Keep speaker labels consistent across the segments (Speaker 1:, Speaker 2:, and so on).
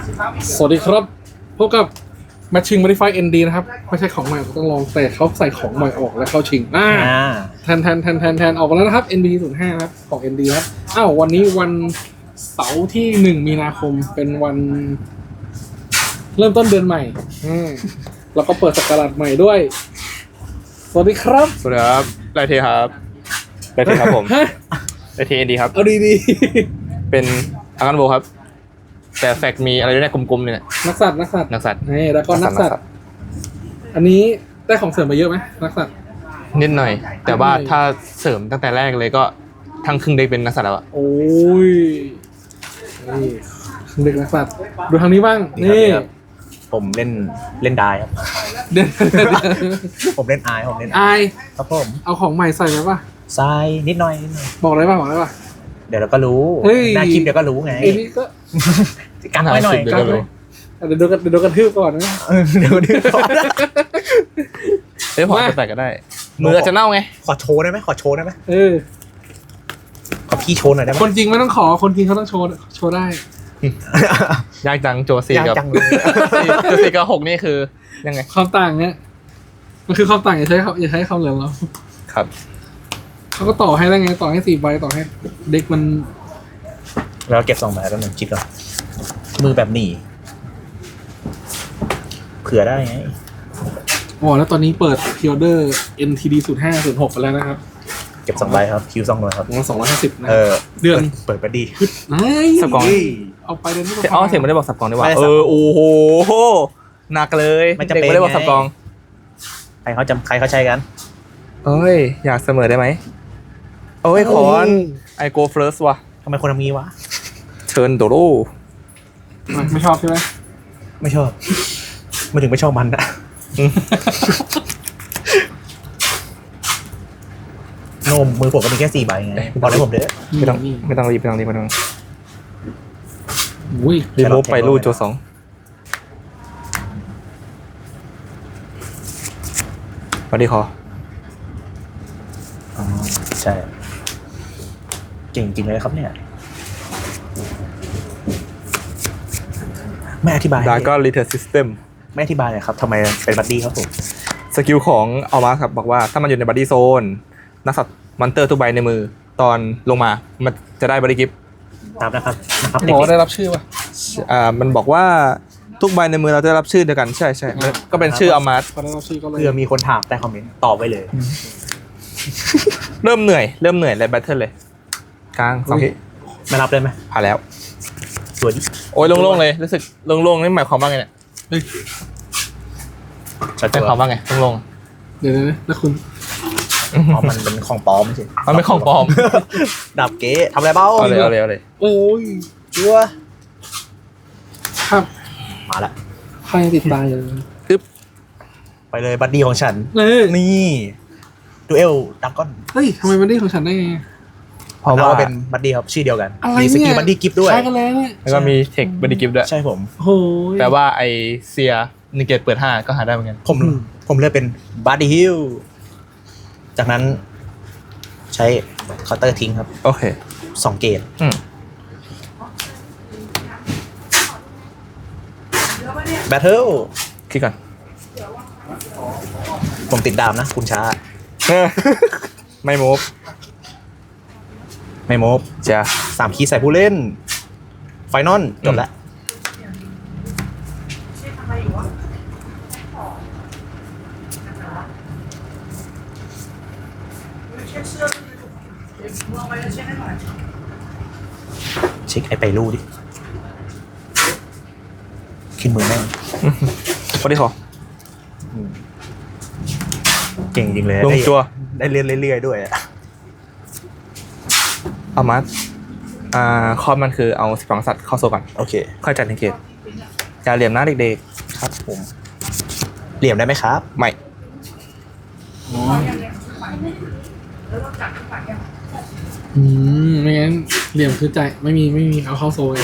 Speaker 1: สวัสดีครับพบกับ Matching Modify ND นะครับไม่ใช่ของใหม่ต้องลองแต่เขาใส่ของใหม่ออกแล้วเข้าชิงแทนออกมาแล้วนะครับ ND 05นะครับของ ND ครับวันนี้วันเสาร์ที่1มีนาคมเป็นวันเริ่มต้นเดือนใหม่แล้วก็เปิดศักราชใหม่ด้วยสวัสดีครับ
Speaker 2: สวัสดีครับไรเทครับไรเทครับผมไรเทเอ็นดีครับ
Speaker 1: เอาดี
Speaker 2: เป็นอากันโบครับแต่แฟกมีอะไรด้วยเนี่ยกลมๆเนี่ย
Speaker 1: นักสัตว์นี่แล้วก็นักสัตว์อันนี้ได้ของเสริมไปเยอะไหมนักสัตว์
Speaker 2: นิดหน่อยแต่ว่าถ้าเสริมตั้งแต่แรกเลยก็ทั้งครึ่งได้เป็นนักสัตว์แล้วอะ
Speaker 1: โอ้ยนี่เด็กนักสัตว์ดูทางนี้บ้างนี่
Speaker 3: ผมเล่นได้ครับ
Speaker 1: เด่น
Speaker 3: ผมเล่นไอครับผม
Speaker 1: เอาของใหม่ใส่ไหมป่ะ
Speaker 3: ทรายนิดหน่อย
Speaker 1: บอกได้ป่ะ
Speaker 3: เดี๋ยวเราก็รู้หน้าคลิปเดี๋ยวก็รู้ไง
Speaker 1: นี่ก็
Speaker 3: กันไว้หน่อย
Speaker 1: กันเลยเดี๋ยวดูกระทืบก่อนนะ
Speaker 3: เดี๋ยวดูก่อน
Speaker 2: พอจะแตกก็ได้มืออาจจะเน่าไง
Speaker 3: ขอโชว์ได้ไหมขอพี่โชว์หน่อยได้ไหม
Speaker 1: คนจริงไม่ต้องขอคนจริงเขาต้องโชว์ได้
Speaker 2: ยากจังโจซีกับโจซีกับ6นี่คือยังไง
Speaker 1: ความต่างเนี่ยมันคือความต่างอย่าใช้คำเหลืองเรา
Speaker 2: ครับ
Speaker 1: เขาก็ต่อให้ได้ไงต่อให้4 ใบต่อให้เด็กมัน
Speaker 3: แล้วเก็บ2 ใบแล้วหนึ่งคิดก่อนมือแบบหนีเผื่อได้ไง
Speaker 1: แล้วตอนนี้เปิดพิออเดอร์ NTD 05 06ไปแล้วนะครับ
Speaker 3: เก็บ2 ใบครับคิว2 ใบครับ
Speaker 1: 250นะเดือน
Speaker 3: เปิดไปดี
Speaker 2: สับกอง
Speaker 1: เอาไปเดือนนี้
Speaker 2: เสียงไม่ได้บอกสับกองได้ว่าโอ้โหหนักเลย
Speaker 3: เด็กไม่
Speaker 2: ได้บอกสับกอง
Speaker 3: ใครเขาใช้กัน
Speaker 2: อยากเสมอได้ไหมคอนไอโกเฟิร์สว่ะ
Speaker 3: ทำไมคนทำงี้วะ
Speaker 2: เชิญโดโร
Speaker 1: ไม่ชอบใช่ไหม
Speaker 3: ไม่ชอบไม่ถึงไม่ชอบมันนะโนมมือผมก็มีแค่4 ใบไงบอกเลยผมเด้อ
Speaker 2: ไม่ต้องรีบรีโมฟไปรูดโจ2มาดีคอ
Speaker 3: ใช่เก่งจริงเลยครับเนี่ยไม่อธิบาย
Speaker 2: ดาก้อนรีเทิร์นซิสเต็ม
Speaker 3: ไม่อธิบายเลยครับทำไมเป็นบัดดี้ครับผม
Speaker 2: สกิลของเอามาครับบอกว่าถ้ามันอยู่ในบัดดี้โซนนักสัตว์มอนเตอร์ทุกใบในมือตอนลงมามันจะได้บัดดี้กิฟต์
Speaker 3: ตามนะครับ
Speaker 1: บอกได้รับชื่อป่ะ
Speaker 2: มันบอกว่าทุกใบในมือเราจะได้รับชื่อเดียวกันใช่ก็เป็นชื่อเอามา
Speaker 1: เ
Speaker 3: พื่อมีคนถามใต้คอมเมนต์ตอบไว้เลย
Speaker 2: เริ่มเหนื่อยและแบทเทิลเลยกลาง2 ที
Speaker 3: ไม่รับเลยไหม
Speaker 2: ผ่านแล้ว
Speaker 3: สวยดิ
Speaker 2: โอ้ยโล่งๆเลยรู้สึกโล่งๆนี่หมายความว่าไงเนี่ยหมายความว่าไงโล่ง
Speaker 1: เดี๋ยวแล้วคุณ
Speaker 3: มันเป็นของปลอมใช่
Speaker 2: มันเป็นของปลอม
Speaker 3: ดับเก๋ทำอะไรเบ้า
Speaker 2: เอาเลย
Speaker 1: โอ้ย
Speaker 3: ชัว
Speaker 1: ครับ
Speaker 3: มาละ
Speaker 1: ใครติดตายเลย
Speaker 2: ปึ๊บ
Speaker 3: ไปเลยบัดดี้ของฉันนี่ดูเอลดักก้อน
Speaker 1: ทำไมบัดดี้ของฉันได้ไง
Speaker 3: เพราะว่าเป็นบัดดี้ครับชื่อเดียวกันมีสกิลบัดดี้กิฟต์ด้วย
Speaker 1: ใช่กันแล้ว
Speaker 2: ก็มีเทคบัดดี้กิฟต์ด้วย
Speaker 3: ใช่ผม
Speaker 1: โอ้
Speaker 2: แปลว่าไอเซีย1 เกตเปิด5ก็หาได้เหมือนกัน
Speaker 3: ผมเลือกเป็นบัดดี้ฮิลจากนั้นใช้เคาน์เตอร์ทิ้งครับ
Speaker 2: โอเค
Speaker 3: 2 เกตแบทเทิล
Speaker 2: คิดก่อน
Speaker 3: ผมติดดาวนะคุณช้า
Speaker 2: ไม่โมฟ
Speaker 3: จะ3 คีย์ใส่ผู้เล่นไฟนอลจบแล้วเช็คไอไปรูดิขึ้นมือแม่ง
Speaker 2: พอดีขอ
Speaker 3: เก่งจริงเลย
Speaker 2: ลงจัว
Speaker 3: ได้เรื่อยๆด้วย
Speaker 2: เอามาคอมมันคือเอา12 สัตว์เข้าโซก่อน
Speaker 3: โอเค
Speaker 2: ค่อยจัดในเกตอย่าเหลี่ยมนะเด็กๆ
Speaker 3: ครับผมเหลี่ยมได้ไหมครับ
Speaker 2: ไม่
Speaker 1: ไม่งั้นเหลี่ยมคือใจไม่มีเอาเข้าโซ่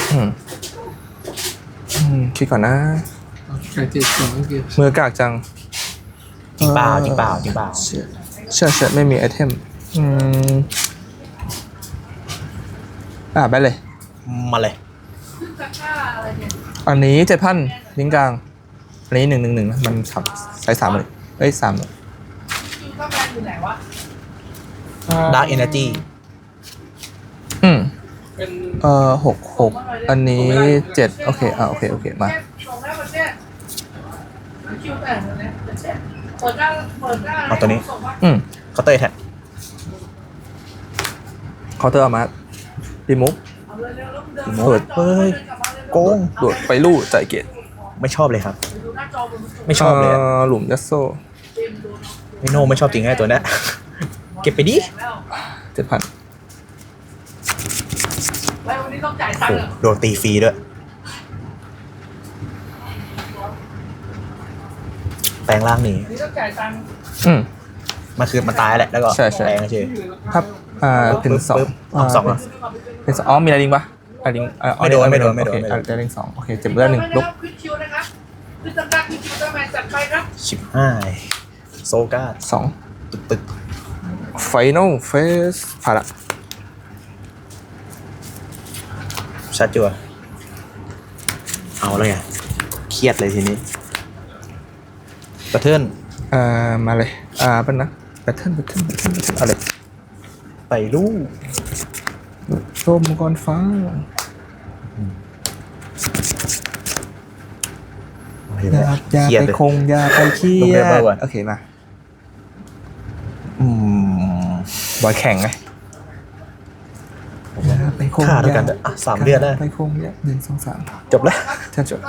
Speaker 2: คิดก่อนนะมือกากจัง
Speaker 3: จริงเปล่า
Speaker 2: เชื่อไม่มีไอเทมไปเลย
Speaker 3: มาเลย
Speaker 2: อันนี้7,000ลิงก์กลางอันนี้111นะมันใช้3เลยเอ้ย3เลย
Speaker 3: Dark Energy
Speaker 1: เป็น
Speaker 2: 6 อันนี้7โอเคโอเคมา
Speaker 3: เอาตัวนี้ เคาน์เตอร์แท็ก
Speaker 2: เคาน์เตอร์เอามารีมูฟเปิด
Speaker 3: เฮ้ยโกง
Speaker 2: โดดไปลู่จ่ายเกต
Speaker 3: ไม่ชอบเลยครับ ไม่ชอบเลยอะ
Speaker 2: หลุมยัสโซ
Speaker 3: ไม่โน่ไม่ชอบจริงไอ้ตัวเนี้ย เก็บไปดิ
Speaker 2: 7,000
Speaker 3: โอ้โดนตีฟรีด้วย แปลงร่างหนี มันคือมันตายแหละ แล้วก็
Speaker 2: ใช่
Speaker 3: แปลงเฉย
Speaker 2: ครับเป็น2
Speaker 3: ปึ๊บเอาสองเหรอ
Speaker 2: เป็น2มีอะไรลิงปะอะไรลิง
Speaker 3: ไม่โดน
Speaker 2: โอเค
Speaker 3: ไม่โดน
Speaker 2: อะไรลิง2โอเคเจ็บเลือด1ลุก
Speaker 3: ชิบห้ายโซก้า
Speaker 2: 2
Speaker 3: ตึก
Speaker 2: Final Phase ผ่านละ
Speaker 3: ชัดจัวเอาแล้วไงเครียดเลยทีนี้กระเทือน
Speaker 2: มาเลยเป็นนะแบทเทิลเอาเลย
Speaker 3: ไปลูก
Speaker 2: โชมมังกรฟ้าอย่า
Speaker 3: เครียด
Speaker 2: ไป
Speaker 3: เลย
Speaker 2: คงอย่าไปเครี
Speaker 3: ลง
Speaker 2: ย
Speaker 3: เรียบร้อย
Speaker 2: ด
Speaker 3: ก่อน
Speaker 2: โอเคมา
Speaker 3: อืม
Speaker 2: บอยแข่งไงอย่าไปคง
Speaker 3: ฆ่าด้วยกันอ่ะ3 เดือนแล้ว
Speaker 2: ไปคงอย่า1 2 3
Speaker 3: จบแล้ว
Speaker 2: ฉันจบ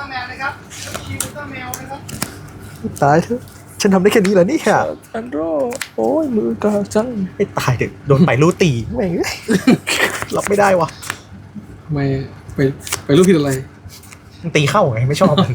Speaker 3: ตายเถอะฉันทำได้แค่นี้เหรอนี่ค่ะ
Speaker 2: อันโรโอ้ยมือกาจัง
Speaker 3: ไม่ตายเถอะโดนไปลูกตีแม่ง รับไม่ได้วะ
Speaker 1: ไม่ไปรูปผิดอะไร
Speaker 3: มันตีเข้าไงไม่ชอบมัน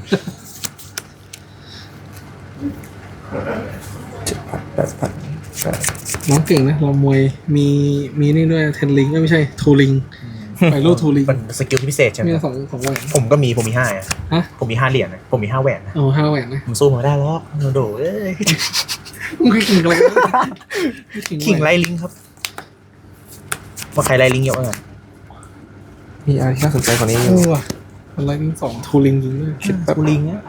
Speaker 2: 7,000
Speaker 1: น้องเก่งนะเรามวยมีนี่ด้วยเทนลิงไม่ใช่ทูลิงไปรูปทูลิง
Speaker 3: มันสกิลที่พิเศษใช่ไหม
Speaker 1: มีสองแหวน
Speaker 3: ผมก็มีผมมี5อ่ะ
Speaker 1: ฮะ
Speaker 3: ผมมี5 เหรียญนะผมมี5 แหวนนะ
Speaker 1: เอา5 แหวนนะ
Speaker 3: ผมสู้มาได้หรอกโดดเอ้ย
Speaker 1: มึงเคยขิงอะไรกัน
Speaker 3: ขิงไล่ลิงครับว่าใครไล่ลิงเยอะมาก
Speaker 2: มีอะไรที่น่าสนใจกว่านี้
Speaker 1: เออว่ะอะไรลิง2ทูลิงจริงด้วย
Speaker 3: คิดแบบลิงเนี่ย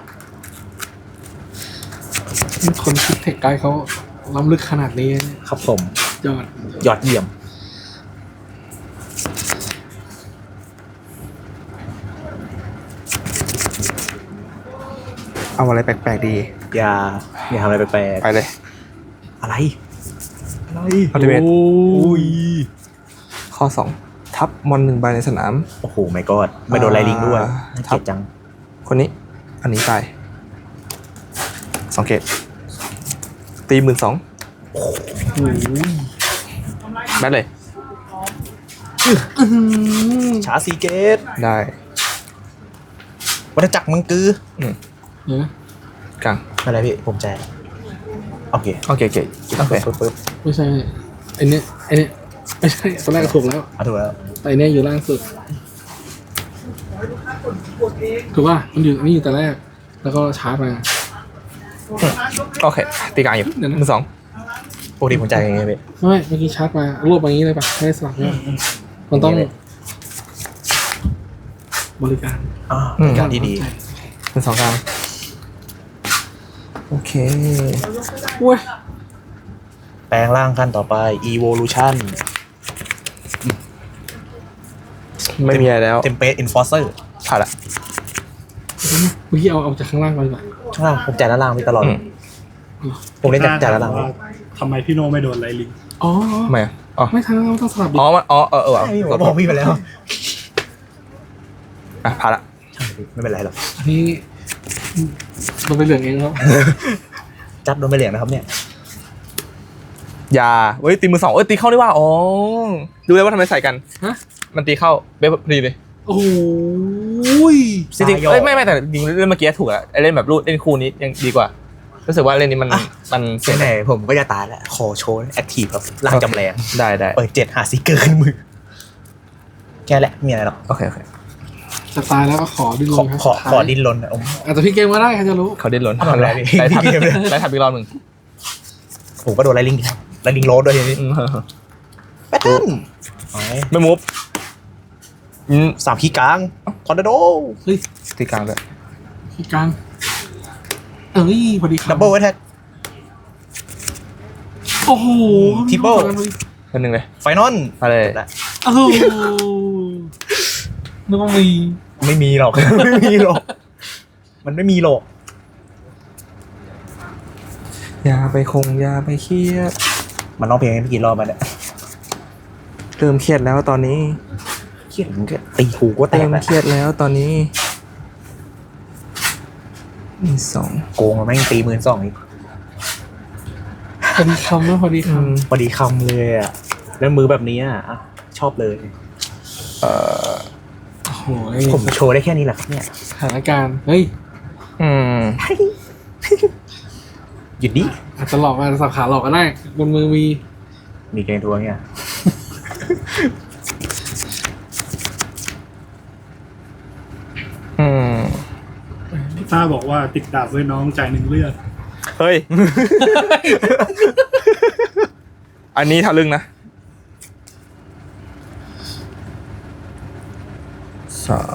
Speaker 1: คนคิดเทคไกด์เขาล้ำลึกขนาดนี้
Speaker 3: ครับผม
Speaker 1: ยอด
Speaker 3: ยอดเยี่ยม
Speaker 2: เอาอะไรแปลกๆดี
Speaker 3: อย่าทำอะไรแปลก
Speaker 2: ไปเลย
Speaker 3: ๆอะไร
Speaker 2: อัลติเมท
Speaker 1: โอ้ย
Speaker 2: ข้อ 2 ทับมอน1 ใบในสนาม
Speaker 3: โอ้โหไม่กอดไม่โดนไล่ลิงด้วยน่าเกลียดจัง
Speaker 2: คนนี้อันนี้ตาย2 เกตตี12,000แบทเลย
Speaker 3: ชาซีเกต
Speaker 2: ได้
Speaker 3: วัฏจักรมังกือ
Speaker 1: เดี๋ยวนะ
Speaker 2: กลาง
Speaker 3: ไม่เป็นไรพี่ผมใจโอเค
Speaker 2: โอเคโอเค
Speaker 3: ปึ๊บ
Speaker 1: ไม่ใช่ไอเนี้ยไม่ใช่ตอนแรกก็ถูกแล้ว
Speaker 3: ถูกแล้ว
Speaker 1: แต่อันเนี้ยอยู่ล่างสุดถูกป่ะมันอยู่นี่อยู่แต่แรก แล้วก็ชาร์จมา
Speaker 2: โอเคตีกลางอยู่
Speaker 1: เดี๋ยวนะ
Speaker 2: มือ 2
Speaker 3: ปกติผมใจยังไงพี่
Speaker 1: ไม่เมื่อกี้ชาร์จมารวบมาอย่างนี้เลยป่ะไม่ได้สลับเนี่ยมันต้องบริการ
Speaker 3: การที่ดี
Speaker 2: มือ 2 กลางโอเค
Speaker 1: อุ้ย
Speaker 3: แปลงร่างขั้นต่อไป evolution
Speaker 2: ไม่มีอะไรแล้ว
Speaker 3: template enforcer
Speaker 2: ผ่านละ
Speaker 1: เมื่อกี้เอาจากข้างล่างไปก่อน
Speaker 3: ข้างล่างผมจ่ายด้านล่างไปตลอด ผมเล่นจ่ายด้านล่าง
Speaker 4: ว่าทำไมพี่โนไม่โดนไลลิง
Speaker 1: อ๋อ
Speaker 2: ทำไมอ๋อ
Speaker 1: ไม่ทันเราต้องสลับดิ
Speaker 2: อ๋อมันว่ะ
Speaker 3: ผมบอกพี่ไปแล้ว
Speaker 2: ผ่านละ
Speaker 3: ไม่เป็นไรหรอก
Speaker 1: อันนี้เราไปเหลืองเองครับ
Speaker 3: จัดโดนไปเหลียงนะครับเนี่ย
Speaker 2: ยาเว้ยตีมือ 2ตีเข้าได้ว่าอ๋อดูเลยว่าทำไมใส่กัน
Speaker 1: ฮะ
Speaker 2: มันตีเข้าเป๊ะพอดีเลย
Speaker 1: โอ้ย
Speaker 2: จริงๆไม่แต่จริงเล่นเมื่อกี้ถูกอะเล่นแบบรูดเล่นคู่นี้ยังดีกว่ารู้สึกว่าเล่นนี้มันเสีย
Speaker 3: ไหนๆผมก็จะตายแล้ว ขอโชว์แอคทีฟครับร่างจำแรง
Speaker 2: ได้
Speaker 3: เปิด7หาซิกเกอร์ขึ้นมือ แค่แหละไมมีอะไรหรอก
Speaker 2: โอเค
Speaker 1: จะตายแล้วก็ขอดิ้นร
Speaker 3: ขอน
Speaker 1: ครับ
Speaker 3: ขอดิ้นรนนะผม
Speaker 1: อาจจะพี่เกมก็ได้ใครจะรู้
Speaker 2: เขาดิ้นรน
Speaker 3: ทำอะไรพี่
Speaker 2: ไล่ทับ
Speaker 3: พี่เกมเลย
Speaker 2: ไล่ทับอีกรอบหนึ่ง
Speaker 3: ผมก็โดนไลลิงครับไลลิงโรดด้วยทีนี้แพทเทิร์น
Speaker 2: ไม่มูฟ
Speaker 3: 3ขี้กลางทอร์นาโด
Speaker 1: เฮ้ย
Speaker 2: ตีกลางเลย
Speaker 1: ที่กลางเอ้ยพอดีครับ
Speaker 3: ดับเบิลแท็ก
Speaker 1: โอ้โห
Speaker 3: Triple
Speaker 2: คนหนึ่งเลย
Speaker 3: ไฟนอล
Speaker 2: อะไร
Speaker 1: โอ้โหนึกว่ามี
Speaker 3: ไม่มีหรอก ไม่มีหรอก มันไม่มีหรอก
Speaker 2: อย่าไปอย่าไปเครียด
Speaker 3: มันร้องเพลงให้พี่กี่รอบมาเนี่ย
Speaker 2: เริ่มเครียดแล้วตอนนี้
Speaker 3: เครียดมันก็ตีหูก็แต
Speaker 2: เริ่
Speaker 3: ก
Speaker 2: ม
Speaker 3: แล้ว
Speaker 2: เครียดแล้วตอนนี้มีสอง
Speaker 3: โกงมันแม่งตี12,000อีก
Speaker 1: พอดีคำนะพอดีค
Speaker 3: พอดีคำเลยอ่ะ แล้วมือแบบนี้อ่ะชอบเลย
Speaker 1: ำโอ้โห
Speaker 3: ผมโชว์ได้แค่นี้แหละครับเนี่ย
Speaker 1: สถานการณ์เฮ้ย
Speaker 2: อืม
Speaker 3: หยุดดิ
Speaker 1: อาจจะหลอกอาจจะสับขาหลอกก็ได้บนมือมี
Speaker 3: มีเกมทัวร์เนี่ย
Speaker 2: อืม
Speaker 4: พี่ต้าบอกว่าติดดาบไว้น้องจ่าย1เลือด
Speaker 2: เฮ้ย อันนี้ทะลึ่งนะสาม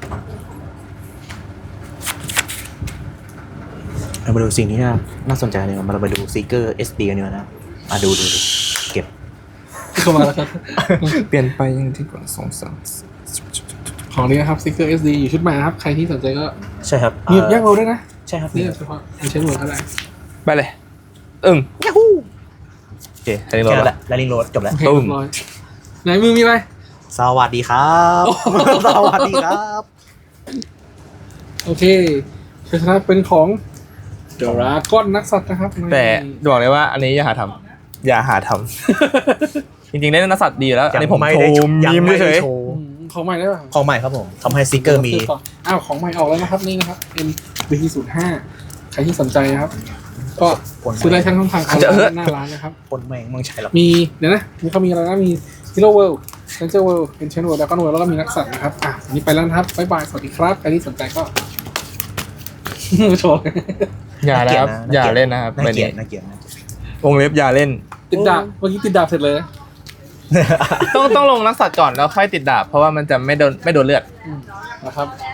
Speaker 3: เรามาดูสิ่งที่น่าสนใจเลยเรามาดูซีเกอร์ SD กันดีกว่านะดูเก็บ
Speaker 1: เข้ามาแล้วครับ
Speaker 2: เปลี่ยนไปยังที่กว่าสองสาม
Speaker 1: ของนี้นะครับ Sticker SD อยู่ชุดใหม่นะครับ ใครที่สนใจก็
Speaker 3: ใช่ครับ
Speaker 1: มีแยกโรด้วยนะ
Speaker 3: ใช่ครับ
Speaker 1: นี่เฉพาะมีเช็คโรก็ได้
Speaker 2: ไปเลย
Speaker 3: ยาฮู
Speaker 2: โอเคอันนี้
Speaker 3: แค่
Speaker 2: เรา
Speaker 3: นั้นแหละแล้วลิงโรดจบแล้ว
Speaker 1: โอเคเรียบร้อยไหนมือมีอะไร
Speaker 3: สวัสดีครับ สวัสดีครับ
Speaker 1: โอเคชัยชนะเป็นของเดราก้อนนักสัตว์นะครับ
Speaker 2: แต่บอกเลยว่าอันนี้อย่าหาทำอย่าหาทำ จริงๆเล่นนักสัตว์ดีอยู่แล้ว อันนี้ผมโชว์มีมเฉย
Speaker 3: โชว์
Speaker 1: ของใหม่ได้ป่ะ
Speaker 3: ของใหม่ครับผมทำให้ซีเกอร์มี
Speaker 1: อ้าวของใหม่ออกแล้วนะครับนี่นะครับ MBT05 ใครที่สนใจนะครับ ก็ซื้อได้ทั้งช่องทางออนไลน์หน้าร้านนะครับ
Speaker 3: คนแม่งมึงใช้หรอ
Speaker 1: มีเดี๋ยวนะมีเขามีอะไรนะมี Hero World Ranger World Ancient World Dragon World แล้วก็มีนักสัตว์นะครับวันนี้ไปแล้วนะครับบ๊ายบายสวัสดีครับใครที่สนใจก็ โชว์
Speaker 2: ๆอย่านะครับอย่าเล่นนะครับ
Speaker 3: น่า
Speaker 2: แบบ
Speaker 3: เกลี
Speaker 2: นี้
Speaker 3: ยดน่าเกลียดนะ
Speaker 2: วงเล็บอย่าเล่น
Speaker 1: ติดดาบเมื่อกี้ติดดาบเสร็จเลย
Speaker 2: ต้องลงนักสัตว์ก่อนแล้วค่อยติดดาบเพราะว่ามันจะไม่โดนเลือด
Speaker 1: นะครับ